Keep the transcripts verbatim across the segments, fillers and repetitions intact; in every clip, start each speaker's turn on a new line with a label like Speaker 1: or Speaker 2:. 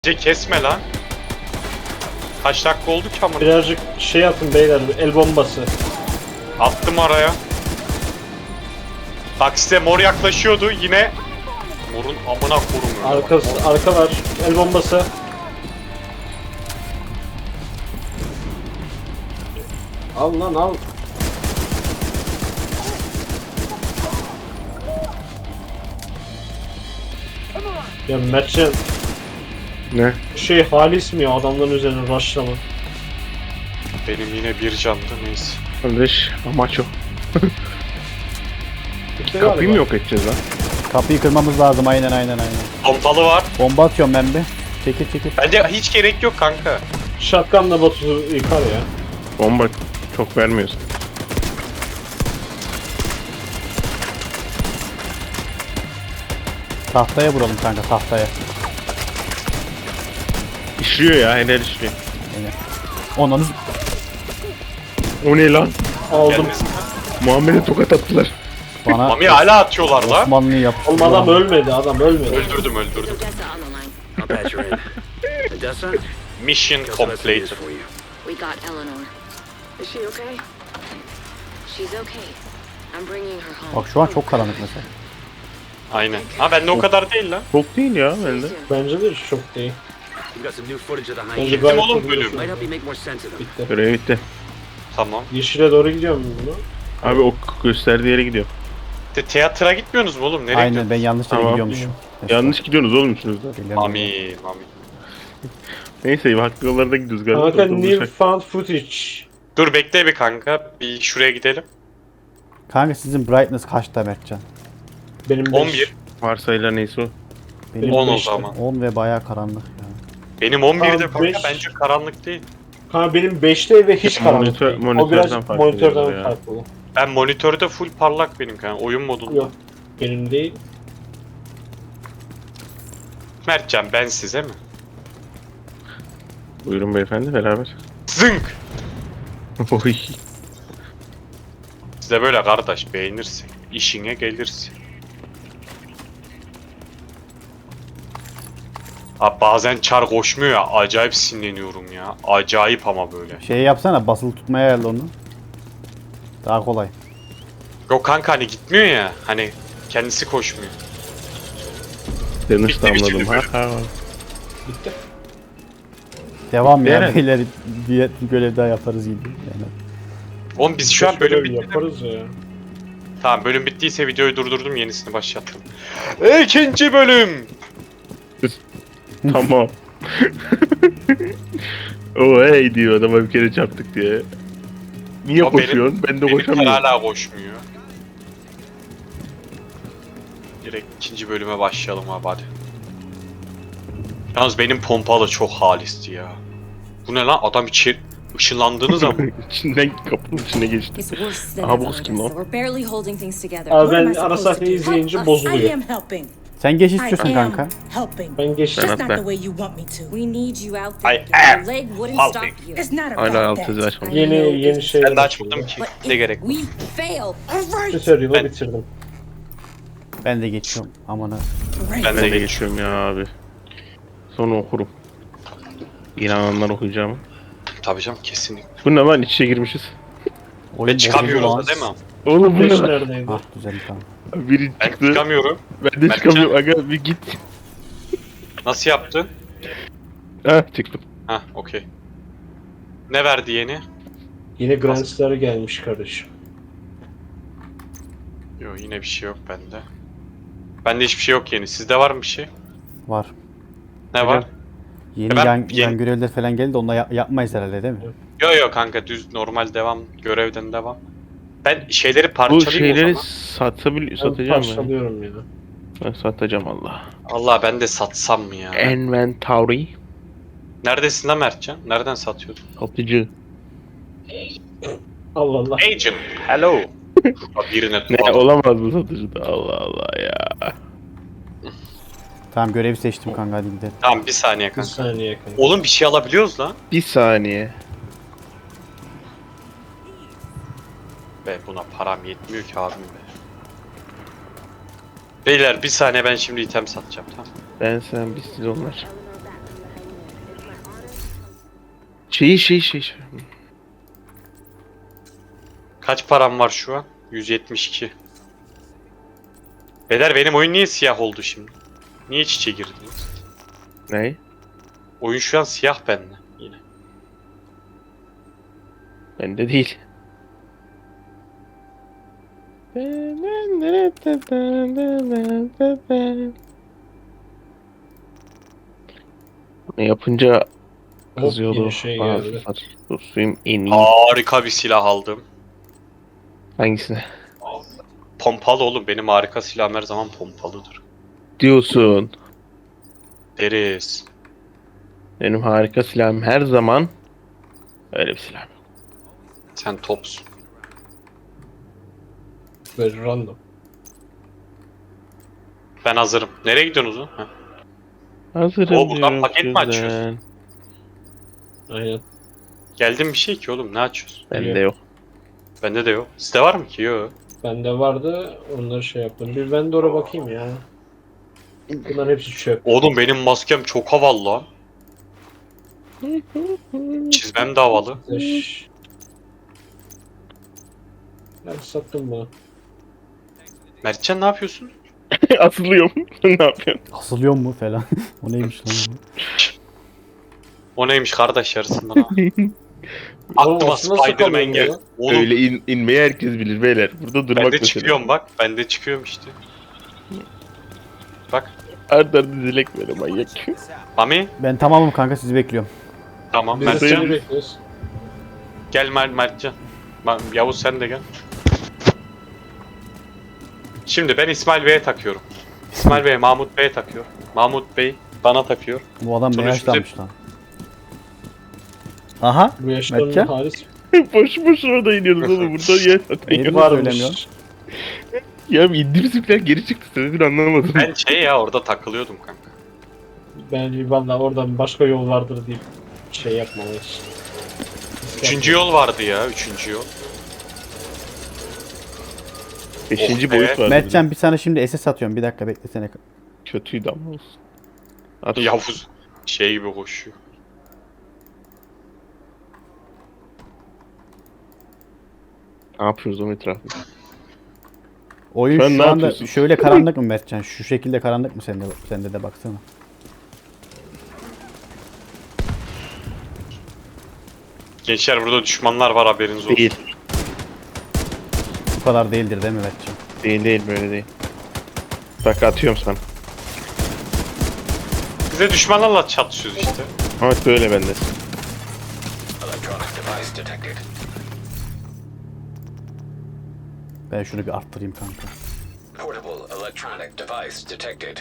Speaker 1: Kesme lan. Kaç dakika oldu ki amına?
Speaker 2: Birazcık şey atın beyler, el bombası.
Speaker 1: Attım araya. Bak size mor yaklaşıyordu yine. Morun amına korum.
Speaker 2: Arkası, arka var, el bombası. Al lan al. Ya Mertcan,
Speaker 3: Ne?
Speaker 2: şey halis mi ya adamların üzerine rushlama?
Speaker 1: Benim yine bir candı neyse.
Speaker 3: Kardeş amaç o.
Speaker 2: Bitti
Speaker 3: Kapıyı
Speaker 2: galiba.
Speaker 3: mı yok edeceğiz lan?
Speaker 4: Kapıyı kırmamız lazım, aynen aynen aynen.
Speaker 1: Pompalı var.
Speaker 4: Bomba atıyorum ben bir. Çekil çekil.
Speaker 1: Bence hiç gerek yok kanka.
Speaker 2: Shotgun'la Batu yıkar ya.
Speaker 3: Bomba çok vermiyorsun.
Speaker 4: Tahtaya vuralım kanka, tahtaya.
Speaker 3: İşliyor ya, helal işliyor.
Speaker 4: Aynen. Onun
Speaker 3: O ne lan?
Speaker 2: Aldım.
Speaker 1: Gelmesin.
Speaker 3: Muhammed'e tokat attılar.
Speaker 4: bana
Speaker 1: Mami hala atıyorlar lan.
Speaker 4: Osmanlı'yı yap.
Speaker 2: Oğlum adam ölmedi, adam ölmedi.
Speaker 1: Öldürdüm öldürdüm.
Speaker 5: Odessa on the line.
Speaker 6: I'll patch her in. Odessa?
Speaker 1: Mission
Speaker 6: Got some messages
Speaker 1: completed.
Speaker 6: for you.
Speaker 5: We got Eleanor. Is she okay? She's okay. I'm bringing her home.
Speaker 4: Bak şu an çok karanlık mesela.
Speaker 1: Aynen. Ha bende o kadar değil lan.
Speaker 3: Çok değil ya bende.
Speaker 2: Bence de çok değil.
Speaker 6: We've got some new footage of the
Speaker 2: Bence
Speaker 6: hyena.
Speaker 1: Gittim
Speaker 2: gayet
Speaker 1: oğlum
Speaker 2: iyi.
Speaker 1: bölüm.
Speaker 6: Might help you make more sense of them.
Speaker 2: Bitti.
Speaker 3: Görev bitti.
Speaker 1: Tamam.
Speaker 2: Yeşile doğru gidiyorum bunu.
Speaker 3: Abi o gösterdiği yere gidiyor.
Speaker 1: De teatra gitmiyorsunuz mu oğlum? Nereye
Speaker 4: Aynen,
Speaker 1: gidiyorsunuz?
Speaker 4: ben yanlış yere
Speaker 3: Tamam.
Speaker 4: gidiyormuşum.
Speaker 3: Yanlış gidiyorsunuz oğlum üçünüz de.
Speaker 4: Bilmiyorum.
Speaker 1: Mami, Mami.
Speaker 3: Neyse haklı yollarda gidiyoruz galiba.
Speaker 2: Kanka
Speaker 3: Kurtulmuş.
Speaker 2: new found footage.
Speaker 1: Dur bekle bir kanka. Bir şuraya gidelim.
Speaker 4: Kanka sizin brightness kaçta Mertcan?
Speaker 2: Benim beş.
Speaker 1: on bir.
Speaker 3: Varsayılar neyse o.
Speaker 4: Benim
Speaker 1: on o
Speaker 2: beşte.
Speaker 1: zaman.
Speaker 4: on ve bayağı karanlık yani.
Speaker 1: Benim on birde
Speaker 2: Tamam,
Speaker 1: kanka
Speaker 2: beş.
Speaker 1: bence karanlık değil.
Speaker 2: Kanka benim beşte ve hiç karanlık
Speaker 3: Monitör-
Speaker 2: değil. O
Speaker 3: monitörden
Speaker 2: biraz
Speaker 3: fark
Speaker 2: monitörden
Speaker 3: ediyordur ya.
Speaker 2: farklı.
Speaker 1: Ben monitörde full parlak benim kanka. Oyun modunda.
Speaker 2: Yok. Benim değil.
Speaker 1: Mertcan ben size mi?
Speaker 3: Buyurun beyefendi beraber.
Speaker 1: Zınk!
Speaker 3: Oy.
Speaker 1: Size böyle kardeş beğenirsin. İşine gelirsin. Abi bazen çar koşmuyor ya. Acayip sinirleniyorum ya. Acayip ama böyle.
Speaker 4: Şey yapsana, basılı tutmaya ayarla onu. Daha kolay.
Speaker 1: Yok kanka hani gitmiyor ya. Hani kendisi koşmuyor.
Speaker 3: Yanlış
Speaker 1: Bitti, bitti,
Speaker 3: damladım.
Speaker 1: bitti.
Speaker 3: Ha ha.
Speaker 2: Bitti.
Speaker 4: Devam ya,
Speaker 3: Eren.
Speaker 4: beyler, diğer bir görev daha yaparız gibi. Yani.
Speaker 1: Oğlum biz şu an
Speaker 2: Böyle
Speaker 1: bölüm bitti.
Speaker 2: yaparız ya.
Speaker 1: Tamam bölüm bittiyse videoyu durdurdum yenisini başlattım. İkinci bölüm.
Speaker 3: Tamam. O hey diyor adama bir kere çarptık diye. Niye
Speaker 1: O benim-
Speaker 3: koşuyorsun? Ben de
Speaker 1: Benimkiler
Speaker 3: koşamıyorum.
Speaker 1: hala koşmuyor. Direkt ikinci bölüme başlayalım abi hadi. Yalnız benim pompalı çok halisti ya. Bu ne lan adam içeri ışınlandığınız zaman.
Speaker 3: İçinden kapının içine geçti.
Speaker 7: It's worse than
Speaker 3: Aha,
Speaker 7: ever,
Speaker 3: bu kız kim
Speaker 7: Odessa.
Speaker 3: lan?
Speaker 7: We're barely holding things together.
Speaker 2: Abi
Speaker 7: What am
Speaker 2: ben
Speaker 7: I
Speaker 2: ara
Speaker 7: supposed to
Speaker 2: sahneyi
Speaker 7: do?
Speaker 2: izleyince
Speaker 8: I
Speaker 2: bozuluyor.
Speaker 8: am helping.
Speaker 4: Sen geç
Speaker 8: I
Speaker 4: istiyorsun
Speaker 8: am
Speaker 4: kanka.
Speaker 8: helping.
Speaker 2: Ben geçtim.
Speaker 8: Just not
Speaker 3: Ben-
Speaker 8: the way you want me to.
Speaker 7: We need you out
Speaker 1: I
Speaker 7: there.
Speaker 1: am
Speaker 7: Your leg wouldn't
Speaker 1: helping.
Speaker 7: stop you.
Speaker 8: It's not
Speaker 3: Hala
Speaker 8: about
Speaker 3: alt yazı
Speaker 8: that.
Speaker 3: açmadım.
Speaker 2: Yeni yeni şeyler
Speaker 1: Ben de
Speaker 2: açıldı.
Speaker 1: açmadım ki.
Speaker 7: But
Speaker 1: Ne
Speaker 7: if
Speaker 1: gerek?
Speaker 7: we fail,
Speaker 8: All right.
Speaker 2: Tutorial'ı
Speaker 1: Ben-
Speaker 2: bitirdim.
Speaker 4: Ben de geçiyorum. Amına.
Speaker 8: Great.
Speaker 1: Ben
Speaker 3: Ben
Speaker 1: de
Speaker 3: de
Speaker 1: geçiyorum.
Speaker 3: geçiyorum ya abi. Sonra okurum. İnananlar okuyacağım.
Speaker 1: Tabii canım kesinlikle.
Speaker 3: Bu ne lan iç içe girmişiz.
Speaker 4: Oyun
Speaker 1: Ve çıkamıyoruz
Speaker 4: bozuldu
Speaker 1: da
Speaker 4: lan.
Speaker 1: değil mi?
Speaker 3: Oğlum bu
Speaker 2: Beş
Speaker 3: ne lan?
Speaker 2: neredeydi?
Speaker 4: Ah düzeldi, tamam.
Speaker 3: Biri
Speaker 1: Ben
Speaker 3: çıktı.
Speaker 1: çıkamıyorum.
Speaker 3: Ben de
Speaker 1: Ben
Speaker 3: çıkamıyorum. Aga bir git.
Speaker 1: Nasıl yaptın?
Speaker 3: Ha çıktım.
Speaker 1: Hah okey. Ne verdi yeni?
Speaker 2: Yine Grandstar'a gelmiş kardeşim.
Speaker 1: Yok yine bir şey yok bende. Bende hiçbir şey yok yeni. Sizde var mı bir şey?
Speaker 4: Var.
Speaker 1: Ne var?
Speaker 4: Yeni
Speaker 1: Ben-
Speaker 4: yan,
Speaker 1: yeni-
Speaker 4: yan görevler falan geldi, onunla ya- yapmayız herhalde değil mi?
Speaker 1: Yok yok kanka düz normal devam. Görevden devam. Ben şeyleri
Speaker 3: Bu
Speaker 1: parçalayayım
Speaker 3: şeyleri
Speaker 1: o zaman.
Speaker 3: satabil
Speaker 2: Ben
Speaker 3: satacağım ben.
Speaker 2: parçalıyorum ya.
Speaker 3: Ben satacağım Allah.
Speaker 1: Allah ben de satsam mı ya?
Speaker 3: Inventory.
Speaker 1: Neredesin lan Mertcan? Nereden satıyordun?
Speaker 3: Satıcı.
Speaker 2: Allah Allah.
Speaker 1: Agent. Hello. Birine
Speaker 3: Ne
Speaker 1: tutalım.
Speaker 3: olamaz bu satıcı da Allah Allah ya.
Speaker 4: Tamam, görevi seçtim kanka, hadi gidelim.
Speaker 1: Tamam bir saniye
Speaker 2: Bir
Speaker 1: kanka.
Speaker 2: saniye kanka.
Speaker 1: Oğlum bir şey alabiliyoruz lan.
Speaker 3: Bir saniye.
Speaker 1: Be buna param yetmiyor ki abim be. Beyler bir saniye ben şimdi item satacağım tamam.
Speaker 3: Ben sen biz siz onlar. Şey şey şey. şey.
Speaker 1: Kaç param var şu an? yüz yetmiş iki. Beyler benim oyun niye siyah oldu şimdi? Niye iç içe girdiniz?
Speaker 3: Ne?
Speaker 1: Oyun şu an siyah bende yine.
Speaker 3: Bende değil. Ne yapınca
Speaker 2: Hop,
Speaker 3: kızıyordu.
Speaker 2: yine şey geldi.
Speaker 3: Bazılar. Susayım en iyi.
Speaker 1: Harika bir silah aldım.
Speaker 3: Hangisine?
Speaker 1: Pompalı oğlum. Benim harika silahım her zaman pompalıdır.
Speaker 3: Diyorsun.
Speaker 1: Deriz.
Speaker 3: Benim harika silahım her zaman öyle bir silah.
Speaker 1: Sen topsun.
Speaker 2: Böyle random.
Speaker 1: Ben hazırım. Nereye gidiyorsunuz lan? Ha.
Speaker 3: Hazırım
Speaker 1: O, buradan
Speaker 3: diyorum
Speaker 1: paket mi
Speaker 3: sizden.
Speaker 1: açıyorsun?
Speaker 2: Aynen.
Speaker 1: Geldim bir şey ki oğlum. Ne açıyorsun?
Speaker 3: Bende yok.
Speaker 1: Bende de yok. Sizde var mı ki? Yok.
Speaker 2: Bende vardı, onları şey yaptım. Bir ben de oraya bakayım ya. Bunların hepsi çöp.
Speaker 1: Oğlum benim maskem çok havalı lan. Çizmem de havalı.
Speaker 2: Eş. Ben sattım bunu.
Speaker 1: Mertcan ne yapıyorsun?
Speaker 3: Asılıyorum. Ne yapıyorsun?
Speaker 4: Asılıyor mu falan. O neymiş lan?
Speaker 1: O neymiş kardeş yarısından ha. Aklıma
Speaker 2: Oğlum, nasıl
Speaker 1: Spider-Man
Speaker 2: kalıyor
Speaker 1: geldi.
Speaker 2: ya?
Speaker 1: Oğlum
Speaker 3: Öyle in, inmeyi herkes bilir beyler. Burada durmak
Speaker 1: ben de
Speaker 3: mesele.
Speaker 1: çıkıyorum bak. Ben de çıkıyorum işte. Bak.
Speaker 3: Art arda dilek böyle manyak.
Speaker 1: Mami.
Speaker 4: Ben tamamım kanka, sizi bekliyorum.
Speaker 1: Tamam
Speaker 2: Biz de
Speaker 1: Mertcan.
Speaker 2: seni bekliyoruz.
Speaker 1: Gel Mer Mertcan. Ma- Yavuz sen de gel. Şimdi ben İsmail Bey'e takıyorum. İsmail Bey Mahmut Bey'e takıyor. Mahmut Bey bana takıyor.
Speaker 4: Bu adam ne
Speaker 1: Sonuçta-
Speaker 4: yaşlanmış lan. Aha.
Speaker 2: Bu yaşlarının
Speaker 4: Mertcan?
Speaker 2: halis
Speaker 3: boş boş orada iniyoruz oğlum. Burada yer zaten.
Speaker 4: Niye
Speaker 3: yok.
Speaker 4: bunu söylemiyorsun?
Speaker 2: varmış.
Speaker 3: Ya indim falan geri çıktı. Sebebini anlamadım.
Speaker 1: Ben şey ya orada takılıyordum kanka.
Speaker 2: Ben valla oradan başka yol vardır deyip şey yapmamış.
Speaker 1: Üçüncü yol vardı ya. Üçüncü yol.
Speaker 3: Beşinci
Speaker 1: Oh be.
Speaker 3: boyut vardı.
Speaker 4: Mertcan bir sana şimdi S S atıyorum. Bir dakika beklesene.
Speaker 3: Kötüydü ama olsun. At.
Speaker 1: Yavuz şey gibi koşuyor.
Speaker 3: Ne yapıyoruz o etrafında?
Speaker 4: Oyun
Speaker 3: Sen
Speaker 4: şu
Speaker 3: ne
Speaker 4: anda
Speaker 3: yapıyorsun?
Speaker 4: şöyle karanlık mı Mertcan? Şu şekilde karanlık mı sende? Sende de baksana.
Speaker 1: Gençler burada düşmanlar var haberiniz olsun.
Speaker 3: Değil.
Speaker 4: Bu kadar değildir değil mi Mertcan?
Speaker 3: Değil değil böyle değil. Bak atıyorum sana.
Speaker 1: Bize düşmanlarla çatışıyoruz işte.
Speaker 3: Ama böyle bende.
Speaker 6: Electronic device detected.
Speaker 4: Ben şunu bir arttırayım kanka.
Speaker 6: Portable electronic device detected.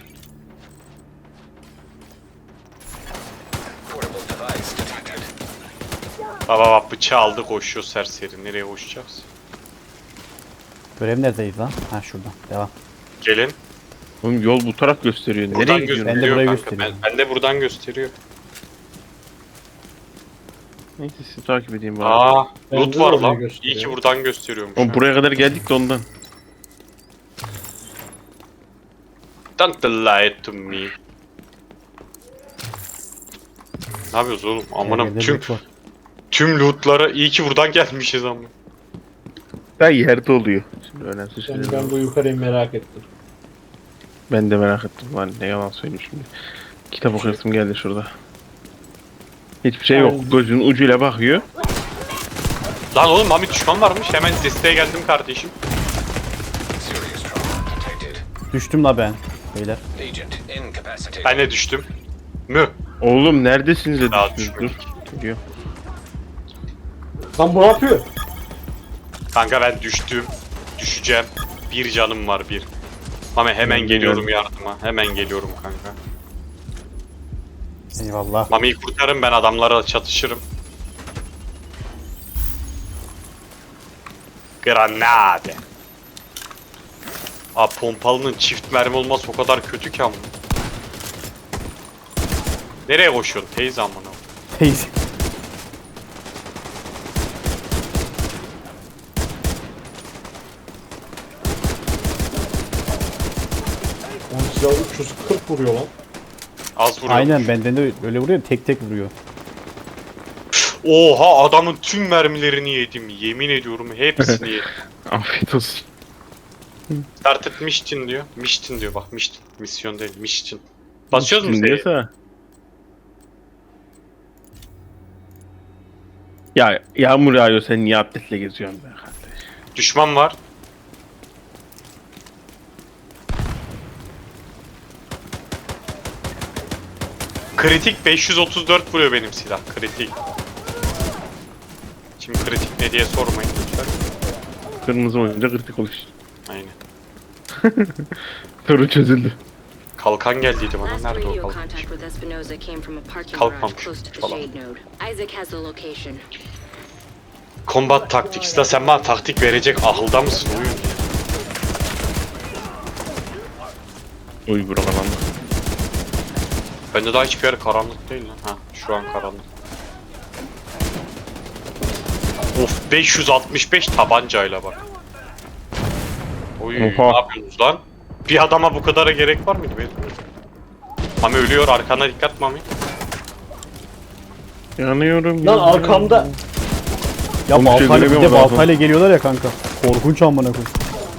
Speaker 6: Portable device detected.
Speaker 1: Baba bak bıçağı aldı koşuyor serseri. Nereye koşacağız?
Speaker 4: Görev neredeydi lan? Ha şurada. Devam.
Speaker 1: Gelin.
Speaker 3: Oğlum yol bu taraf gösteriyor.
Speaker 1: Buradan
Speaker 3: Nereye gidiyorsun?
Speaker 4: Ben de
Speaker 1: gösteriyor
Speaker 4: burayı
Speaker 1: kanka.
Speaker 4: gösteriyorum.
Speaker 1: Ben, ben de buradan gösteriyor.
Speaker 3: Neyse sizi takip edeyim bari.
Speaker 1: Aa,
Speaker 2: Ben
Speaker 1: loot
Speaker 2: de
Speaker 1: var
Speaker 2: orayı
Speaker 1: lan.
Speaker 2: gösteriyor.
Speaker 1: İyi ki buradan gösteriyormuş.
Speaker 3: Oğlum buraya kadar geldik de ondan.
Speaker 1: Don't lie to me. Ne yapıyoruz oğlum? Amanım
Speaker 4: Evde
Speaker 1: tüm
Speaker 4: loot var.
Speaker 1: tüm lootlara iyi ki buradan gelmişiz ama.
Speaker 3: Daha yerde oluyor. Şimdi önemsiz
Speaker 2: Ben,
Speaker 3: şeyler
Speaker 2: ben
Speaker 3: var.
Speaker 2: bu yukarıyı merak ettim.
Speaker 3: Ben de merak ettim. Lan ne yalan söyleyeyim şimdi. Kitap okuyasım geldi şurada. Hiçbir şey yok.
Speaker 2: Aynen.
Speaker 3: Gözünün ucuyla bakıyor.
Speaker 1: Lan oğlum Mami düşman varmış. Hemen desteğe geldim kardeşim.
Speaker 6: Serious trauma detected.
Speaker 4: Düştüm la ben. Beyler.
Speaker 6: Agent incapacitated.
Speaker 1: Ben de düştüm. Mü?
Speaker 3: Oğlum neredesiniz de
Speaker 1: Daha
Speaker 3: düştünüz? Dur.
Speaker 1: düşmedik.
Speaker 3: Geliyor.
Speaker 2: Lan bu ne yapıyor?
Speaker 1: Kanka ben düştüm. Düşeceğim. Bir canım var bir. Mami hemen
Speaker 3: Ben
Speaker 1: geliyorum
Speaker 3: geliyorum.
Speaker 1: yardıma. Hemen geliyorum kanka.
Speaker 4: Eyvallah.
Speaker 1: Mami'yi kurtarın ben adamlara çatışırım. Granade. Aa pompalının çift mermi olması o kadar kötü ki ama. Nereye koşuyorsun teyze amına?
Speaker 4: Teyze.
Speaker 2: Onun silahı üç yüz kırk vuruyor lan.
Speaker 1: Az vuruyor.
Speaker 4: Aynen benden de öyle vuruyor. Tek tek vuruyor.
Speaker 1: Oha adamın tüm mermilerini yedim. Yemin ediyorum hepsini yedim.
Speaker 3: Afiyet olsun.
Speaker 1: Started mission diyor. Mission diyor bak mission. Misyon değil mission. Basıyoruz mu
Speaker 3: Şimdi
Speaker 1: Z'ye?
Speaker 3: diyorsa- Ya yağmur yağıyor sen niye atletle geziyorsun be kardeş?
Speaker 1: Düşman var. Kritik beş yüz otuz dört vuruyor benim silah. Kritik. Şimdi kritik ne diye sormayın lütfen.
Speaker 3: Kırmızı olunca kritik oluş.
Speaker 1: Aynen.
Speaker 3: Soru çözüldü.
Speaker 1: Kalkan geldiydi bana.
Speaker 5: Last
Speaker 1: Nerede o
Speaker 5: radio
Speaker 1: kalkan?
Speaker 5: contact with Espinosa came from a parking
Speaker 1: Kalkmamış
Speaker 5: garage close to the
Speaker 1: falan.
Speaker 5: shade node. Isaac has the location.
Speaker 1: Combat Tactics da sen bana taktik verecek ahılda mısın oyun?
Speaker 3: Uy bura kalandı.
Speaker 1: Bende daha hiçbir yer karanlık değil lan. Ha şu an karanlık. Of beş yüz altmış beş tabancayla bak. Oy
Speaker 3: Oha.
Speaker 1: ne yapıyorsunuz lan? Bir adama bu kadara gerek var mıydı benim? Mami ölüyor arkana dikkat Mami.
Speaker 3: Yanıyorum.
Speaker 2: Lan
Speaker 3: yanıyorum.
Speaker 2: arkamda.
Speaker 4: Ya
Speaker 3: Oğlum, şey
Speaker 4: baltayla bir de
Speaker 3: göremiyorum ben
Speaker 4: baltayla geliyorlar ya kanka. Korkunç amına koyayım.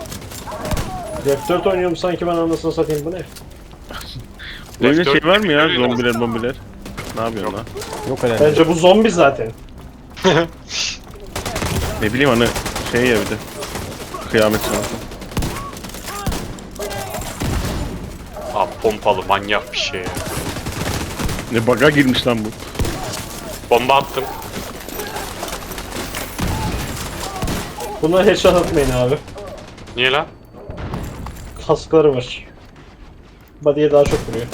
Speaker 2: F dört oynuyorum sanki ben anasını satayım bu ne?
Speaker 3: Öyle
Speaker 1: F dört
Speaker 3: şey var mı ya
Speaker 1: öyle mi?
Speaker 3: zombiler bombiler? Ne yapıyorsun lan?
Speaker 4: Yok herhalde.
Speaker 2: Bence bu zombi zaten.
Speaker 3: Ne bileyim hani şey ya bir de. Kıyamet sonrası.
Speaker 1: Aa pompalı manyak bir şey ya.
Speaker 3: Ne baga girmiş lan bu.
Speaker 1: Bomba attım.
Speaker 2: Buna headshot atmayın abi.
Speaker 1: Niye lan?
Speaker 2: Kaskları var. Body'ye daha çok vuruyor.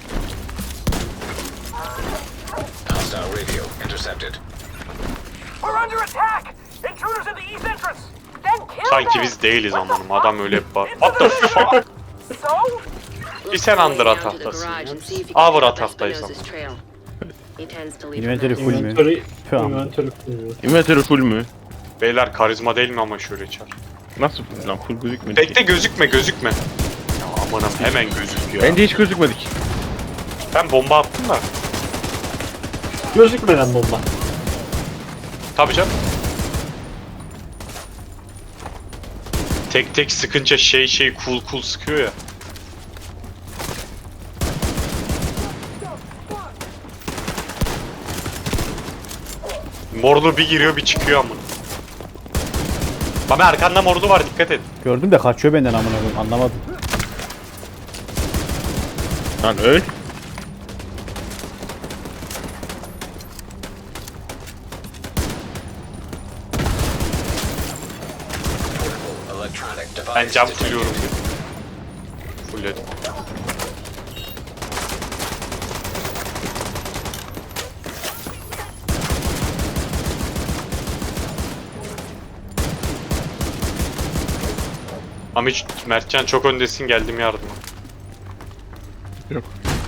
Speaker 6: Hostile radio intercepted.
Speaker 8: We're under attack! Intruders in the east entrance! Then kill
Speaker 1: Sanki
Speaker 8: them!
Speaker 1: biz değiliz amanım adam öyle bir var. What the fuck?
Speaker 8: So?
Speaker 1: Bir sen Andra tahtasın ya. Avra tahtayız ama.
Speaker 4: Inventory full mü?
Speaker 2: Inventory,
Speaker 4: Tamam.
Speaker 2: inventory full.
Speaker 3: Inventory full mü?
Speaker 1: Beyler karizma değil mi ama şöyle çar.
Speaker 3: Nasıl full lan? Full gözükmedi ki.
Speaker 1: Bekle gözükme gözükme. Ya amanım hemen gözüküyor.
Speaker 3: Bence hiç gözükmedik.
Speaker 1: Ben bomba attım da.
Speaker 2: Gözükmeden bomba.
Speaker 1: Tabii canım. Tek tek sıkınca şey şey cool cool sıkıyor ya. Morlu bir giriyor bir çıkıyor amına. Baba arkanda morlu var dikkat et.
Speaker 4: Gördüm de kaçıyor benden amına koyayım. Anlamadım.
Speaker 3: Lan öl.
Speaker 6: Electronic device
Speaker 1: Ben cam
Speaker 6: detected.
Speaker 1: fulluyorum. Fullledim. Ama hiç Mertcan çok öndesin geldim yardıma.
Speaker 3: Yok.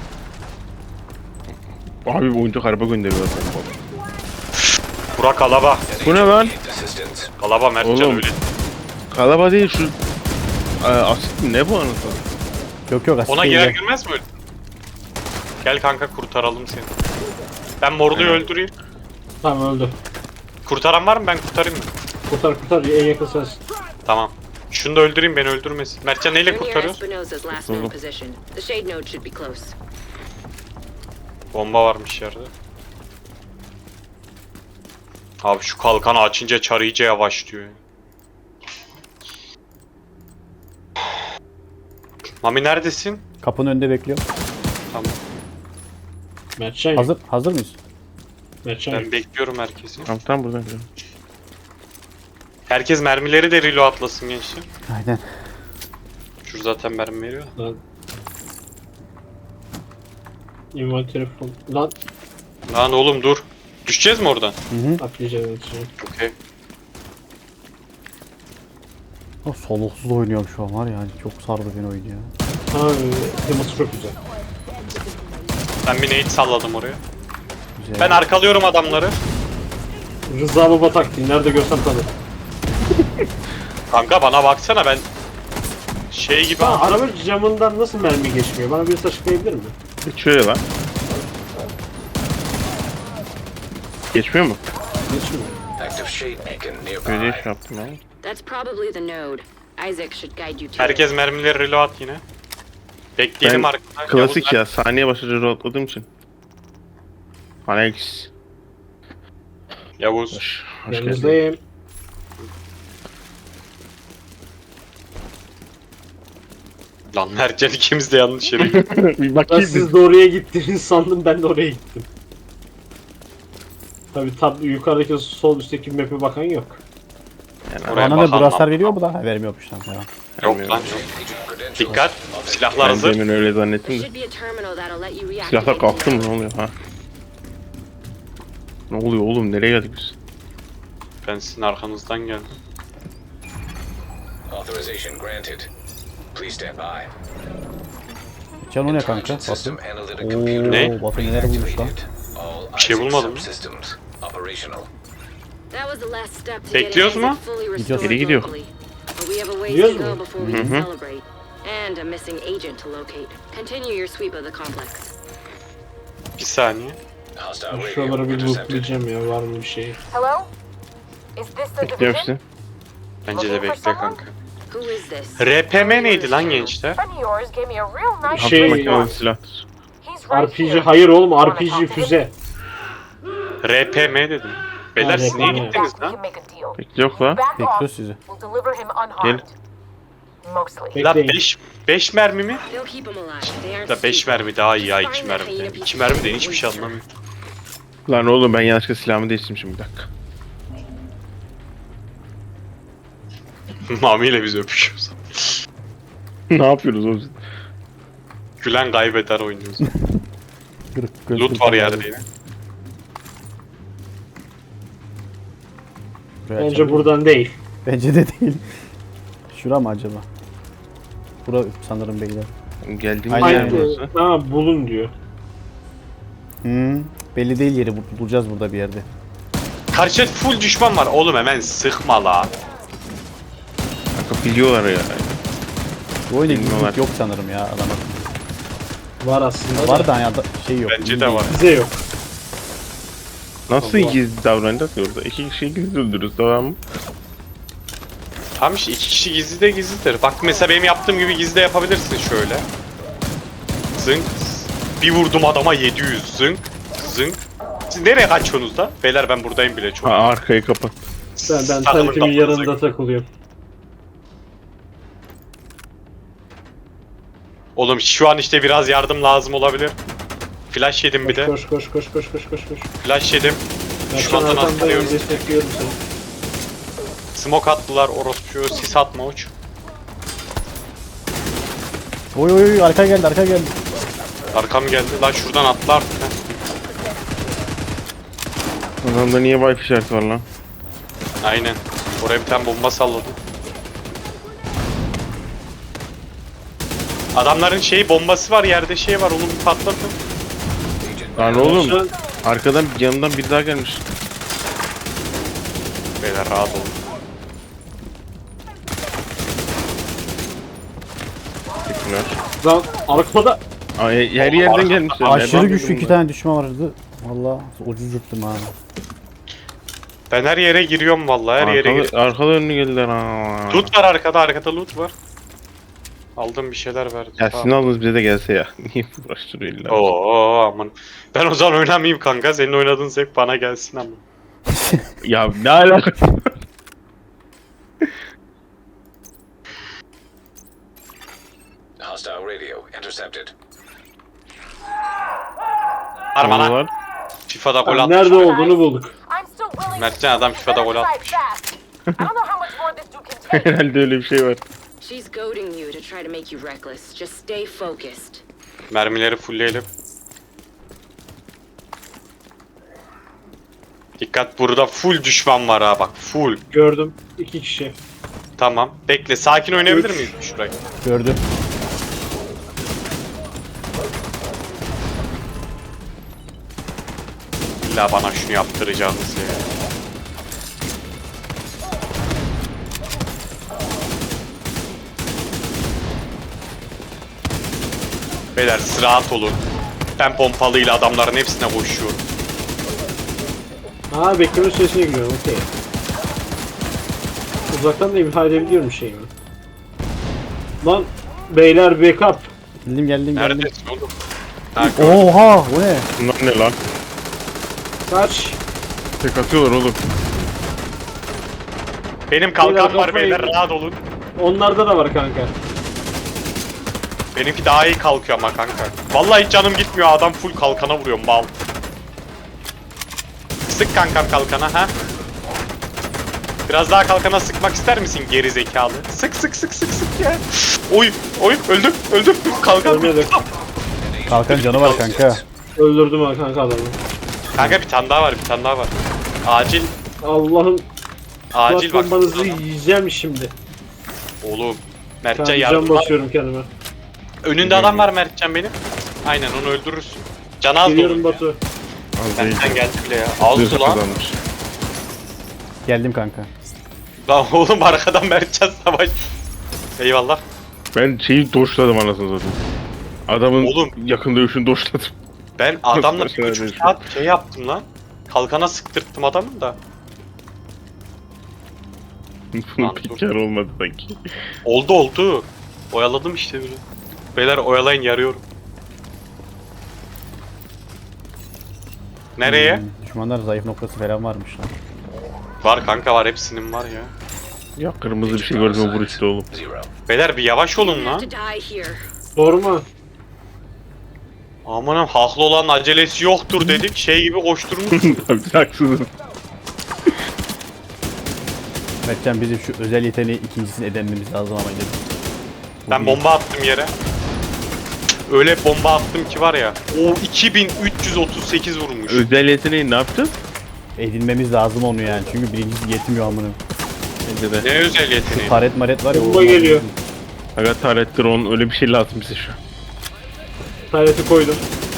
Speaker 3: Abi bu oyuncak araba gönderiyor.
Speaker 1: Burak Alaba.
Speaker 3: Bu ne lan?
Speaker 6: Assistance.
Speaker 1: Alaba Mertcan
Speaker 3: Oğlum.
Speaker 1: öyle.
Speaker 3: Kalaba değil şu... Aa, asit mi? Ne bu anasını?
Speaker 4: Yok yok aslında.
Speaker 1: Ona girer girmez mi öyle? Gel kanka kurtaralım seni. Ben morluyu öldüreyim.
Speaker 2: Tamam öldü.
Speaker 1: Kurtaran var mı? Ben kurtarayım mı?
Speaker 2: Kurtar kurtar en yakın sensin.
Speaker 1: Tamam. Şunu da öldüreyim beni öldürmesin. Mertcan neyle
Speaker 5: We're near
Speaker 1: kurtarıyoruz?
Speaker 5: Espinosa's last known position. The shade node should be close.
Speaker 1: Bomba varmış yerde. Abi şu kalkanı açınca çar iyice yavaşlıyor. ya. Mami neredesin?
Speaker 4: Kapının önünde bekliyorum.
Speaker 1: Tamam.
Speaker 2: Mertcan yok.
Speaker 4: Hazır hazır mıyız?
Speaker 2: Mertcan yok.
Speaker 1: Ben bekliyorum herkesi.
Speaker 3: Tamam tamam buradan gidelim.
Speaker 1: Herkes mermileri de reload atlasın gençler.
Speaker 4: Aynen.
Speaker 1: Şu zaten mermi veriyor.
Speaker 2: Lan. Inventory full. Lan
Speaker 1: Lan oğlum dur. Düşeceğiz mi oradan?
Speaker 2: atlayacağım atlayacağım.
Speaker 1: Okey.
Speaker 4: Oh, soluksuz oynuyorum şu an var ya. Çok sardı beni oyun ya.
Speaker 2: Abi teması çok güzel.
Speaker 1: Ben bir nade salladım oraya.
Speaker 4: Güzel.
Speaker 1: Ben arkalıyorum adamları.
Speaker 2: Rıza Baba taktiği nerede görsem tanır.
Speaker 1: Kanka bana baksana ben şey gibi
Speaker 2: Ha, araba camından nasıl mermi geçmiyor? Bana birisi açıklayabilir mi?
Speaker 3: Bir şöyle lan. Geçmiyor mu?
Speaker 2: Geçmiyor.
Speaker 6: Active shade beacon
Speaker 3: Böyle
Speaker 6: nearby.
Speaker 3: iş yaptım ya.
Speaker 5: That's probably the node. Isaac should guide you to
Speaker 1: Herkes
Speaker 5: it.
Speaker 1: mermileri reload yine. Bekleyelim
Speaker 3: Ben
Speaker 1: arkada.
Speaker 3: klasik
Speaker 1: Yavuz,
Speaker 3: ya. Saniye başlıca rahatladığım için. Alex.
Speaker 1: Yavuz.
Speaker 3: Hoş, hoş geldin.
Speaker 2: Yanınızdayım.
Speaker 1: Lan Mertcan ikimiz de yanlış yere gittik.
Speaker 3: Bir
Speaker 2: Ben
Speaker 3: bakayım.
Speaker 2: siz de oraya gittiniz sandım, ben de oraya gittim. Tabi tab yukarıdaki sol üstteki map'e bakan yok.
Speaker 3: Yani
Speaker 1: Oraya
Speaker 4: Bana da
Speaker 1: bakalım.
Speaker 4: braslar veriyor mu da? Ha, vermiyormuş lan. Tamam.
Speaker 1: Yok lan.
Speaker 6: Agent credentials.
Speaker 1: Dikkat. Silahlar
Speaker 3: ben
Speaker 1: hazır.
Speaker 3: demin öyle
Speaker 5: There
Speaker 3: zannettim de.
Speaker 5: should be a terminal that'll let you reactivate
Speaker 3: Silahlar kalktı
Speaker 5: the
Speaker 3: mı? Ne oluyor ha? Ne oluyor oğlum? Nereye geldik biz?
Speaker 1: Ben sizin arkanızdan geldim.
Speaker 6: Authorization granted. Please stand by.
Speaker 4: Can o ne kanka?
Speaker 6: Intelligent System
Speaker 4: Batu.
Speaker 6: Analytic Computer
Speaker 1: Ne?
Speaker 4: Batu neler bulmuş lan?
Speaker 6: reactivated. All
Speaker 1: Bir şey
Speaker 6: Isaac
Speaker 1: bulmadım.
Speaker 6: subsystems operational.
Speaker 5: That was the last step to
Speaker 1: Bekliyoruz
Speaker 5: getting
Speaker 1: mu?
Speaker 5: Isaac fully
Speaker 4: Gidiyoruz.
Speaker 5: restored
Speaker 3: Geri gidiyor.
Speaker 5: locally. But we have a ways
Speaker 2: Gidiyoruz
Speaker 5: to go
Speaker 2: mu?
Speaker 5: before we can celebrate. And a missing agent to locate. Continue your sweep of the complex.
Speaker 1: Bir saniye.
Speaker 6: Hostile
Speaker 2: Ben
Speaker 6: radio
Speaker 2: şuraları bir
Speaker 6: intercepted.
Speaker 2: lootlayacağım ya, var mı bir şey?
Speaker 8: Hello? Is this the
Speaker 3: Bekliyorum
Speaker 8: division?
Speaker 3: sizi.
Speaker 1: Bence de bekle kanka.
Speaker 5: Who is this?
Speaker 1: R P M neydi lan gençler?
Speaker 8: Friend of yours gave me a real nice
Speaker 3: Hafif
Speaker 2: Şey-
Speaker 3: makinalı silahtır.
Speaker 8: He's
Speaker 2: R
Speaker 8: right
Speaker 2: P G
Speaker 8: here.
Speaker 2: hayır oğlum,
Speaker 8: Wanna
Speaker 2: R P G
Speaker 8: talk to him?
Speaker 2: füze.
Speaker 1: R P M dedim. Beyler siz niye
Speaker 2: R P M.
Speaker 1: gittiniz
Speaker 8: We
Speaker 1: lan?
Speaker 8: can make a deal.
Speaker 3: Bekliyor la.
Speaker 8: Back off.
Speaker 4: Bekliyoruz sizi.
Speaker 8: We'll deliver him unharmed. Mostly.
Speaker 1: La
Speaker 2: Bekleyin.
Speaker 1: beş beş mermi mi?
Speaker 5: They'll keep him alive. They aren't
Speaker 1: La beş
Speaker 5: stupid.
Speaker 1: mermi daha iyi ya iki mermiden. iki mermiden hiçbir şey anlamıyorum.
Speaker 3: Lan oğlum ben yanlışlıkla silahımı değiştirmişim bir dakika.
Speaker 1: Mami ile biz öpüşüyoruz.
Speaker 3: Ne yapıyoruz oğlum?
Speaker 1: Gülen kaybeder oynuyoruz.
Speaker 4: Gırık, gırık,
Speaker 1: Loot
Speaker 4: gırık
Speaker 1: var
Speaker 4: adam.
Speaker 1: yerde yine.
Speaker 4: Buraya
Speaker 2: Bence
Speaker 4: açalım.
Speaker 2: buradan değil.
Speaker 4: Bence de değil. Şura mı acaba? Bura sanırım beyler.
Speaker 3: Geldiğimiz
Speaker 4: Aynen.
Speaker 3: yer
Speaker 2: Hayır,
Speaker 3: burası.
Speaker 2: ha bulun diyor.
Speaker 4: Hmm. Belli değil yeri. bu- Bulacağız burada bir yerde.
Speaker 1: Karşıda full düşman var. Oğlum hemen sıkma la.
Speaker 3: Kanka biliyorlar ya.
Speaker 4: Bu oyunda
Speaker 3: Bilmiyorlar.
Speaker 4: gizlilik yok sanırım ya adama.
Speaker 2: Var aslında.
Speaker 4: Var da ya da şey yok.
Speaker 1: Bence
Speaker 4: iyi
Speaker 1: de
Speaker 4: değil.
Speaker 1: var.
Speaker 2: Bize yok.
Speaker 3: Nasıl
Speaker 2: Allah.
Speaker 3: gizli davranacağız ki orada? İki kişiyi gizli öldürürüz tamam mı?
Speaker 1: Tamam işte iki kişi gizli de gizlidir. Bak mesela benim yaptığım gibi gizli de yapabilirsin şöyle. Zınk. Bir vurdum adama yedi yüz. Zınk. Zınk. Siz nereye kaçıyorsunuz da? Beyler ben buradayım bile çok.
Speaker 3: Ha, arkayı kapat.
Speaker 2: Ben, ben
Speaker 1: Takımın
Speaker 2: tarifemin
Speaker 1: kapınıza
Speaker 2: yanında takılıyorum.
Speaker 1: Oğlum şu an işte biraz yardım lazım olabilir. Flash yedim bir
Speaker 2: Koş
Speaker 1: de.
Speaker 2: koş koş koş koş koş koş koş.
Speaker 1: Flash yedim.
Speaker 2: Ben
Speaker 1: Şu
Speaker 2: şu
Speaker 1: anda
Speaker 2: arkandayım,
Speaker 1: atlıyorum.
Speaker 2: destekliyorum seni.
Speaker 1: Smoke attılar orospu. Sis atma uç.
Speaker 4: Oy oy oy arka geldi arka geldi.
Speaker 1: Arkam geldi. Lan şuradan atla artık. ha.
Speaker 3: Adamda niye wifi işareti var lan?
Speaker 1: Aynen. Oraya bir tane bomba salladım. Adamların şeyi bombası var yerde şey var onu bir patlatın.
Speaker 3: Lan
Speaker 2: Şu
Speaker 3: oğlum
Speaker 2: an
Speaker 3: arkadan yanından bir daha gelmiş.
Speaker 1: Beyler rahat olun.
Speaker 3: Teşekkürler.
Speaker 2: lan arkada
Speaker 3: Ay, her yerden gelmişler.
Speaker 4: Aşırı
Speaker 3: Nereden
Speaker 4: güçlü
Speaker 3: buldun
Speaker 4: iki
Speaker 3: bunu?
Speaker 4: tane düşman vardı. Valla ucuz yuttum ha.
Speaker 1: Ben her yere giriyorum vallahi her yere
Speaker 3: Arkada,
Speaker 1: giriyorum.
Speaker 3: arkada önlü geldiler ha.
Speaker 1: Loot var arkada arkada loot var. Aldım bir şeyler verdim.
Speaker 3: Ya sizin aldığınız bize de gelse ya. Niye uğraştırıyor illa?
Speaker 1: Oo aman. Ben o zaman oynamayayım kanka. Senin oynadığın zevk bana gelsin ama.
Speaker 3: Ya ne alakası var?
Speaker 6: Hostile radio intercepted.
Speaker 1: Harman lan.
Speaker 3: Var.
Speaker 1: FIFA'da gol atmış.
Speaker 2: nerede olduğunu bulduk.
Speaker 8: I'm still willing
Speaker 1: Mertcan adam FIFA'da gol
Speaker 8: Better
Speaker 1: atmış.
Speaker 8: decide fast. I don't know how much more this dude can take.
Speaker 3: Herhalde öyle bir şey var.
Speaker 5: She's goading you to try to make you reckless. Just stay focused.
Speaker 1: Mermileri fullleyelim. Dikkat burada full düşman var ha bak full.
Speaker 2: Gördüm. İki kişi.
Speaker 1: Tamam. Bekle sakin oynayabilir
Speaker 2: Üç.
Speaker 1: miyiz şurayı?
Speaker 4: Gördü.
Speaker 1: İlla bana şunu yaptıracağınız ya. Beyler siz rahat olun. Ben pompalıyla adamların hepsine koşuyorum.
Speaker 2: Aa bekleme süresine giriyorum okey. Uzaktan da imha edebiliyorum şeyimi. Lan beyler backup.
Speaker 4: Geldim geldim geldim.
Speaker 1: Neredesin oğlum? Ha, gör-
Speaker 4: Oha bu ne?
Speaker 3: Bunlar ne lan?
Speaker 2: Kaç.
Speaker 3: Tek atıyorlar oğlum.
Speaker 1: Benim kalkan
Speaker 2: Beyler,
Speaker 1: var
Speaker 2: kafayı-
Speaker 1: beyler, rahat olun.
Speaker 2: Onlarda da var kanka.
Speaker 1: Benimki daha iyi kalkıyor ama kanka. Vallahi hiç canım gitmiyor, adam full kalkana vuruyor mal. Sık kankam kalkana ha. Biraz daha kalkana sıkmak ister misin geri zekalı? Sık sık sık sık sık ya. Oy oy öldüm öldüm kalkan.
Speaker 2: Ölmedim.
Speaker 4: Kalkan canı var kanka.
Speaker 2: Öldürdüm ha kanka adamı.
Speaker 1: Kanka bir tane daha var bir tane daha var. Acil
Speaker 2: Allah'ım.
Speaker 1: acil bak.
Speaker 2: Bombanızı yiyeceğim şimdi.
Speaker 1: Oğlum Mertcan
Speaker 2: Can
Speaker 1: yardım.
Speaker 2: basıyorum kendime.
Speaker 1: Önünde adam var Mertcan benim. Aynen onu öldürürsün. Canı az
Speaker 2: Geliyorum
Speaker 1: dolu.
Speaker 2: Batu.
Speaker 3: Az değil.
Speaker 1: Mertcan geldi bile ya. Aldı
Speaker 3: Zırh
Speaker 1: lan.
Speaker 3: kazanmış.
Speaker 4: Geldim kanka.
Speaker 1: Lan oğlum arkadan Mertcan savaş. Eyvallah.
Speaker 3: Ben şeyi doşladım anasını satayım. Adamın
Speaker 1: Oğlum.
Speaker 3: yakın dövüşünü doşladım.
Speaker 1: Ben adamla
Speaker 3: Nasıl
Speaker 1: bir buçuk
Speaker 3: başarabiliyorsun?
Speaker 1: saat şey yaptım lan. Kalkana sıktırttım adamın da.
Speaker 3: Bunun
Speaker 1: Lan
Speaker 3: pek
Speaker 1: dur.
Speaker 3: kar olmadı sanki.
Speaker 1: Oldu oldu. Oyaladım işte böyle. Beyler oyalayın yarıyorum. Nereye?
Speaker 4: Hmm, düşmanlar zayıf noktası falan varmış lan.
Speaker 1: Var kanka var, hepsinin var ya.
Speaker 3: Ya kırmızı bir şey gördüm vur işte oğlum.
Speaker 6: Zero.
Speaker 1: Beyler bir yavaş olun
Speaker 5: have
Speaker 1: lan.
Speaker 5: to die here.
Speaker 2: Sorma.
Speaker 1: Amanım haklı olan acelesi yoktur dedik. Şey gibi koşturmuş.
Speaker 3: Abi haksızım.
Speaker 4: Mertcan bizim şu özel yeteneği ikincisini edinmemiz lazım ama dedim.
Speaker 1: Ben bomba attım yere. Öyle bomba attım ki var ya. O iki bin üç yüz otuz sekiz vurmuş.
Speaker 3: Özel yeteneği ne yapacağız?
Speaker 4: Edinmemiz lazım onu yani çünkü birincisi yetmiyor amına.
Speaker 3: Bence de.
Speaker 1: Ne özel yeteneği?
Speaker 4: Taret maret var ya.
Speaker 2: Bomba
Speaker 4: onlar-
Speaker 2: geliyor.
Speaker 3: Aga taret drone öyle bir şey lazım bize şu an.
Speaker 2: Tayreti koydum.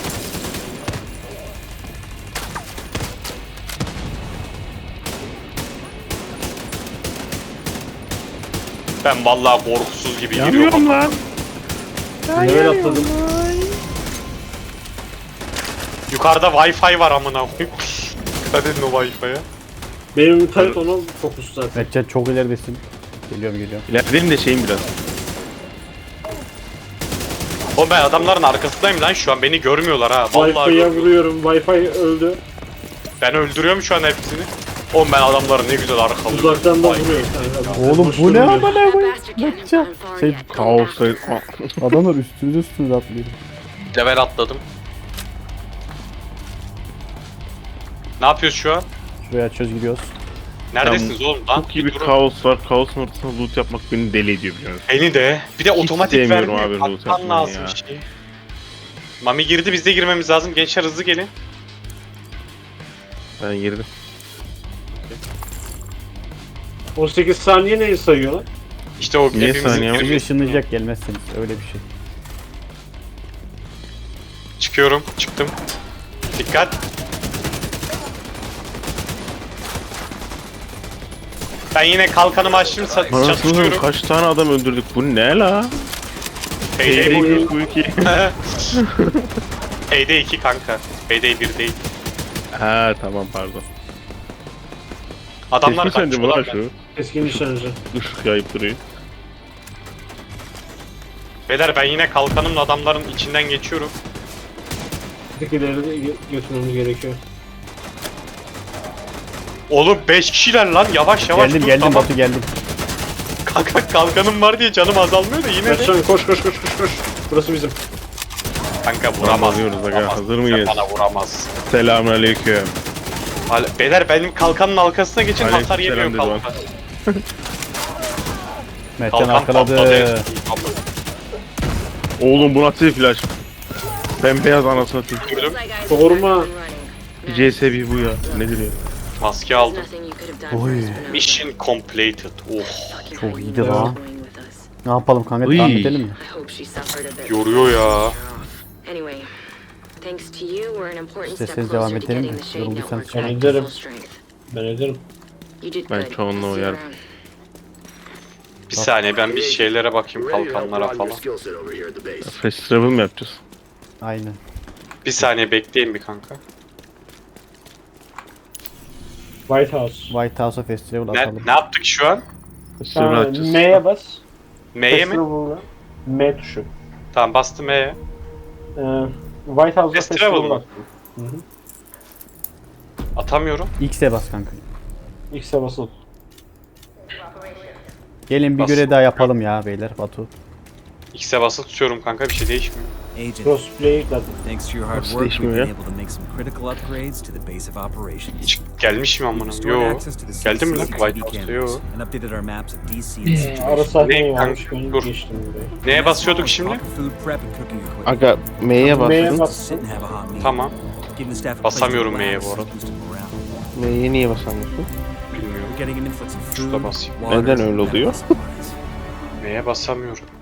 Speaker 1: Ben vallahi korkusuz gibi giriyorum.
Speaker 3: Yanıyorum lan.
Speaker 2: Level atladım.
Speaker 1: Yukarıda Wi-Fi var amına koyayım. Dikkat edin o Wi-Fi'ye.
Speaker 2: Benim taret ona fokus zaten.
Speaker 4: Mertcan çok ileridesin. Geliyorum geliyorum.
Speaker 3: İlerleyelim de şeyim biraz.
Speaker 1: Oğlum ben adamların arkasındayım lan şu an, beni görmüyorlar ha. Vallahi
Speaker 2: Wi-Fi'ye
Speaker 1: görmüyorlar.
Speaker 2: vuruyorum. Wi-Fi öldü.
Speaker 1: Ben öldürüyorum şu an hepsini. Oğlum ben adamları ne güzel arkalıyorum.
Speaker 2: Uzaktan da
Speaker 1: Vay.
Speaker 2: vuruyor kanka.
Speaker 4: Oğlum
Speaker 2: Boş
Speaker 4: bu ne
Speaker 2: durmuyor.
Speaker 4: amına
Speaker 5: That
Speaker 4: koyayım?
Speaker 5: bastard can't have
Speaker 4: Mertcan.
Speaker 5: gone far
Speaker 4: Şey
Speaker 5: yet.
Speaker 3: Kaosla...
Speaker 4: adamlar üstünüze üstünüze atlıyor.
Speaker 1: Level atladım. Ne yapıyoruz şu an?
Speaker 4: Şuraya açıyoruz gidiyoruz.
Speaker 1: Neredesiniz oğlum lan?
Speaker 3: Çok iyi bir
Speaker 1: durun.
Speaker 3: kaos var. Kaosun ortasında loot yapmak beni deli ediyor biliyor musun?
Speaker 1: Beni de. Bir de otomatik
Speaker 3: sevmiyorum
Speaker 1: vermiyor.
Speaker 3: abi loot
Speaker 1: Bakman
Speaker 3: yapmayı
Speaker 1: lazım
Speaker 3: ya.
Speaker 1: şey. Mami girdi, biz de girmemiz lazım. Gençler hızlı gelin.
Speaker 3: Ben girdim.
Speaker 2: on sekiz saniye neyi sayıyor lan?
Speaker 1: İşte o
Speaker 3: Niye
Speaker 1: hepimizin
Speaker 3: saniye var?
Speaker 4: Bizi
Speaker 1: girmesi-
Speaker 4: ışınlayacak gelmezseniz öyle bir şey.
Speaker 1: Çıkıyorum. Çıktım. Dikkat. Ben yine kalkanımı açtım. sa-
Speaker 3: Anasını
Speaker 1: Çatışıyorum.
Speaker 3: kaç tane adam öldürdük bu ne la?
Speaker 1: Payday
Speaker 3: Payday
Speaker 1: bir.
Speaker 3: bir, bu iki.
Speaker 1: Payday iki kanka. Payday bir değil.
Speaker 3: Ha tamam pardon.
Speaker 1: Adamlar
Speaker 3: Kesin sence bu lan
Speaker 1: kaçıyorlar.
Speaker 3: şu?
Speaker 2: Eski nişancı.
Speaker 3: Işık yayıp duruyor.
Speaker 1: Beyler ben yine kalkanımla adamların içinden geçiyorum.
Speaker 2: Bir tık ileri de gö- götürmemiz gerekiyor.
Speaker 1: Oğlum beş kişiler lan, yavaş yavaş
Speaker 4: Geldim
Speaker 1: dur,
Speaker 4: geldim
Speaker 1: tamam.
Speaker 4: Batu geldim.
Speaker 1: Kanka kalkanım var diye canım azalmıyor da yine de.
Speaker 2: Mertcan koş koş koş koş koş. Burası bizim.
Speaker 1: Kanka vuramaz.
Speaker 3: Vuramıyoruz aga,
Speaker 1: vuramaz.
Speaker 3: hazır mıyız?
Speaker 1: Bana vuramaz.
Speaker 3: Selamünaleyküm.
Speaker 1: Hal- Beyler benim kalkanın arkasına geçin, hasar
Speaker 3: Aleykümselam
Speaker 1: yemiyor
Speaker 3: dedi
Speaker 1: kalkan.
Speaker 4: Mertcan
Speaker 1: Kalkan patladı.
Speaker 4: arkaladı.
Speaker 3: Oğlum bu nasıl bir flash? Bembeyaz anasını satayım.
Speaker 1: Gördüm.
Speaker 5: Looks like I
Speaker 2: Sorma.
Speaker 5: started running.
Speaker 3: C S bir bu ya. Nedir ya?
Speaker 1: Maske
Speaker 5: There's
Speaker 1: aldım.
Speaker 5: nothing you could have done
Speaker 4: Oy.
Speaker 5: for us, Bernardo.
Speaker 1: Mission completed. Oh.
Speaker 5: Fucking
Speaker 4: Çok
Speaker 5: hell,
Speaker 4: iyiydi
Speaker 5: you
Speaker 4: lan.
Speaker 5: were going with us.
Speaker 4: Ne yapalım kanka
Speaker 3: Uy.
Speaker 4: devam edelim mi?
Speaker 5: I hope she suffered a bit.
Speaker 1: Yoruyor ya.
Speaker 5: Anyway, thanks to you, we're an important step
Speaker 4: İsterseniz
Speaker 5: closer
Speaker 4: devam
Speaker 5: to
Speaker 4: edelim
Speaker 5: getting
Speaker 4: mi?
Speaker 5: the Shade
Speaker 4: Yorulduysanız
Speaker 5: Network back
Speaker 2: ederim.
Speaker 5: to full strength.
Speaker 2: Ben ederim.
Speaker 5: You did
Speaker 3: Ben
Speaker 5: good.
Speaker 3: çoğunluğu
Speaker 5: I'll see you
Speaker 3: uyarım.
Speaker 5: around.
Speaker 1: Bir saniye ben bir şeylere bakayım, kalkanlara falan.
Speaker 3: Fast travel mi yapacağız?
Speaker 4: Aynen.
Speaker 1: Bir saniye bekleyin bir kanka.
Speaker 2: White House.
Speaker 4: White House'a festival
Speaker 1: Ne,
Speaker 4: atalım.
Speaker 1: ne yaptık şu an?
Speaker 3: Festival
Speaker 2: Ha,
Speaker 3: açacağız.
Speaker 2: M'ye bas.
Speaker 1: M'ye mi?
Speaker 2: Festival'a. M tuşu.
Speaker 1: Tamam bastım M'ye.
Speaker 2: Ee, White House'da
Speaker 1: Festival
Speaker 2: festival
Speaker 1: mı?
Speaker 2: var.
Speaker 1: Atamıyorum.
Speaker 4: X'e bas kanka.
Speaker 2: X'e basılı.
Speaker 4: Gelin bir
Speaker 1: Bas.
Speaker 4: görev daha yapalım ya beyler Batu.
Speaker 1: X'e basılı tutuyorum kanka, bir şey değişmiyor.
Speaker 9: Agent,
Speaker 2: Crossplay ekledim.
Speaker 9: thanks to your hard
Speaker 3: Nasıl
Speaker 9: work, we've
Speaker 3: değişmiyor
Speaker 9: been
Speaker 3: ya?
Speaker 9: able to make some critical upgrades to the base of operations.
Speaker 1: Hiç gelmiş mi amına?
Speaker 9: Restored
Speaker 1: Yo.
Speaker 9: access to the
Speaker 1: Geldi mi lan?
Speaker 9: C C T V
Speaker 1: White House'da yo.
Speaker 9: cameras and updated our maps of D C and
Speaker 2: Ee,
Speaker 9: situation.
Speaker 2: ara sahneyi
Speaker 1: Ne
Speaker 2: varmış.
Speaker 1: kanka?
Speaker 2: Ben
Speaker 1: Dur.
Speaker 2: geçtim buraya.
Speaker 1: Neye basıyorduk şimdi?
Speaker 9: Proper food prep and cooking equipment.
Speaker 3: Aga M'ye
Speaker 2: M'ye
Speaker 3: bastın.
Speaker 2: bas.
Speaker 9: To sit and have a hot meal.
Speaker 1: Tamam.
Speaker 9: Giving the staff a place to
Speaker 1: Basamıyorum M'ye
Speaker 9: relax
Speaker 1: bu arada.
Speaker 9: and boosting morale.
Speaker 3: M'ye niye basamıyorsun?
Speaker 1: Bilmiyorum.
Speaker 9: We're getting an influx of
Speaker 1: Şurada
Speaker 9: food,
Speaker 1: basayım.
Speaker 9: water,
Speaker 3: Neden öyle
Speaker 9: and
Speaker 3: oluyor?
Speaker 9: medical supplies.
Speaker 1: M'ye basamıyorum.